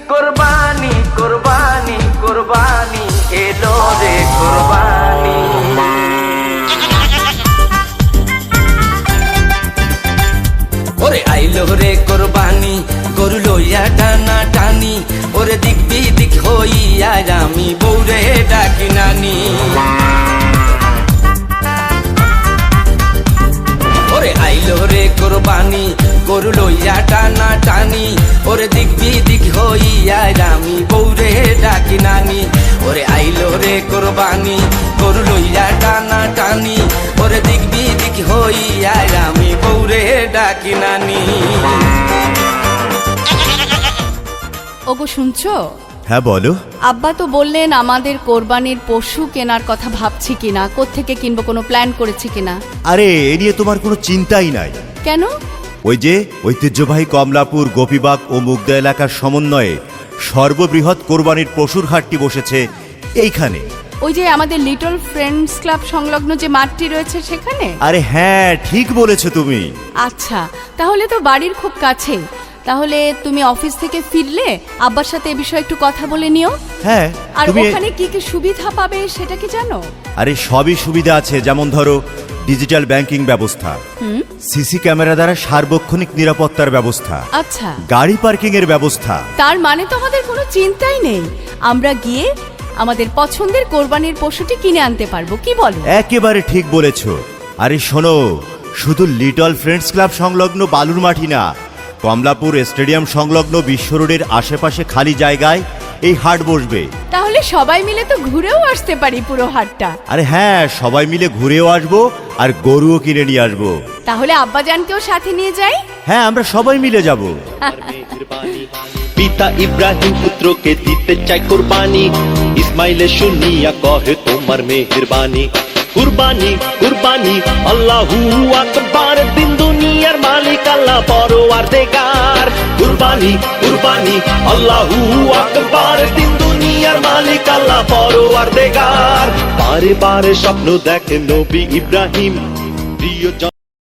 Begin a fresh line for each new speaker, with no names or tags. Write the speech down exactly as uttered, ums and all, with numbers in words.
কোরবানি কোরবানি কোরবানি এলো রে কোরবানি। ওরে আইলো রে কোরবানি গরু লইয়া টানা টানি, ওরে দিক বিদিক হইয়া আমি বউরে ডাকি নানি। ওরে আইলো রে কোরবানি গরু লইয়া টানা টানি, ওরে দিক বিদিক হইয়া আমি বউরে ডাকি নানি। ওরে আইলো রে কোরবানি গরু লইয়া টানা টানি, ওরে দিক বিদিক হইয়া আমি বউরে ডাকি নানি।
ওগো শুনছো?
হ্যাঁ বলো।
আব্বা তো বললেন আমাদের কোরবানির পশু কেনার কথা ভাবছি কিনা, কোত্থেকে কিনবো, কোনো প্ল্যান করেছি কিনা।
আরে এ নিয়ে তোমার কোনো চিন্তাই নাই।
কেন?
ওই যে ঐতিহ্যবাহী কমলাপুর গোপীবাগ ও মুগদা এলাকার সমন্বয়ে সর্ববৃহৎ কোরবানির পশুর হাটটি বসেছে এইখানে।
ওই যে আমাদের লিটল ফ্রেন্ডস ক্লাব সংলগ্ন যে মাঠটি রয়েছে সেখানে?
আরে হ্যাঁ ঠিক বলেছো তুমি।
আচ্ছা, তাহলে তো বাড়ির খুব কাছে। তাহলে তুমি অফিস থেকে ফিরলে আব্বার সাথে এ বিষয়ে একটু কথা বলে নিও।
হ্যাঁ।
আর
তুমি
ওখানে কি কি সুবিধা পাবে সেটা কি জানো?
আরে সবই সুবিধা আছে, যেমন ধরো ডিজিটাল ব্যাংকিং ব্যবস্থা, সিসি ক্যামেরা দ্বারা সার্বক্ষণিক নিরাপত্তার ব্যবস্থা,
আচ্ছা,
গাড়ি পার্কিং এর ব্যবস্থা।
তার মানে তো আমাদের কোনো চিন্তাই নেই, আমরা গিয়ে আমাদের পছন্দের কোরবানির পশুটি কিনে আনতে পারবো, কি বলো?
একেবারে ঠিক বলেছো। আরে শোনো, শুধু লিটল ফ্রেন্ডস ক্লাব সংলগ্ন বালুর মাটি না, কমলাপুর স্টেডিয়াম সংলগ্ন বিশ্ব রোডের আশেপাশে খালি জায়গায় এই হাট বসবে।
তাহলে সবাই মিলে তো ঘুরেও আসতে পারি পুরো হাটটা।
আরে হ্যাঁ, সবাই মিলে ঘুরেও আসবো আর গরুও কিনে নিয়ে আসবো।
তাহলে আব্বাজানকেও সাথে নিয়ে যাই।
হ্যাঁ, আমরা সবাই মিলে যাব।
পিতা ইব্রাহিম পুত্রকে দিতে চাই কুরবানি, ইসমাইলে শুনিয়া কহে তোমার মেহেরবানি। কুরবানি কুরবানি আল্লাহু আকবার, দিন দুনিয়ার মালিক আল্লাহ পরওয়ারদিগার। কুরবানি কুরবানি আল্লাহু আকবার, দিন দুনিয়ার মালিক আল্লাহ পরওয়ারদিগার। বারে বারে স্বপ্ন দেখে নবী ইব্রাহিম, প্রিয়